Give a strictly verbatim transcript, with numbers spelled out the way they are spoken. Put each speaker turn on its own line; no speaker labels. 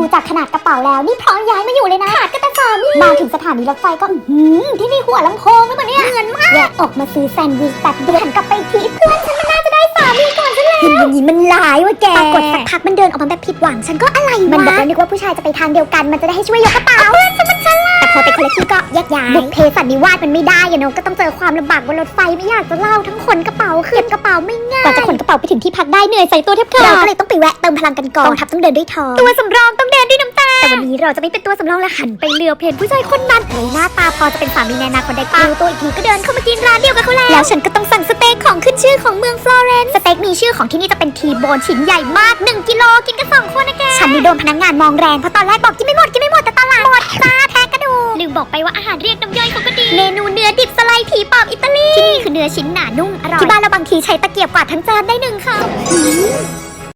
จากขนาดกระเป๋าแล้วนี่พร้อมย้ายมาอยู่เลยนะขาดก็แต่สามีมาถึงสถานีรถไฟก็อืมที่นี่หัวลำโพงแล้วมันเนี่ยเงินมากแวะออกมาซื้อแซนด์วิชแต่เดินกลับไปทีเพื่อนฉันมันน่าจะได้สามีก่อนฉันแล้วอย่างนี้มันร้ายว่ะแกปรากฏสักพักมันเดินออกมาแบบผิดหวังฉันก็อะไรวะมันบอกว่านึกว่าผู้ชายจะไปทางเดียวกันมันจะได้ให้ช่วยยกกระเป๋าเพื่อนฉันมันฉลาดแต่พอไปคนละที่ก็แยกย้ายบุกเพสันนิวาสมันไม่ได้อะเนาะก็ต้องเจอความลำบากบนรถไฟไม่อยากจะเล่าทั้งขนกระเป๋าขึ้นกระเป๋าไม่ง่ายกว่าจะขนกระเป๋าไปถึงที่พักได้เหนื่อยใส่ตัวแทบขาดเราก็เลยต้องไปแวะเติมพลังกันก่อนกองทัพต้องเดินด้วยท้องตัวสำรองต้องเดินด้วยน้ำตาแต่วันนี้เราจะไม่เป็นตัวสำรองและหันไปเลือกเพลผู้ชายคนนั้นเลยหน้าตาพอจะเป็นสามีในอนาคตได้ปะรู้ตัวอีกทีก็เดินเข้ามากินร้านเดียวกับเขาแล้วแล้วฉันก็ต้องสั่งสเต็กของขึ้นชื่อของเมืองฟลอเรนซ์สเต็กมีชื่อของที่นี่จะเป็นทีโบนชิ้นใหญ่มากหนึ่งกิโลกินกันสองคนนะแกฉันนี่โดนพนักงานมองแรงเพราะตอนแรกบอกกินไม่หมดกินไม่หมดแต่ตอนหลังหมดจ้าแทกกระดูกลืมบอกไปว่าอาหารเรียกน้ำย่อยเขาก็ดีเมนูเนื้อดิบสไลด์ผีปอบอิตาลีที่นี่คือเนื้อชิ้นหนานุ่มอร่อยที่บ้านเราบางทีใช้ตะเกียบกวาดทั้งจานได้หนึ่งคำ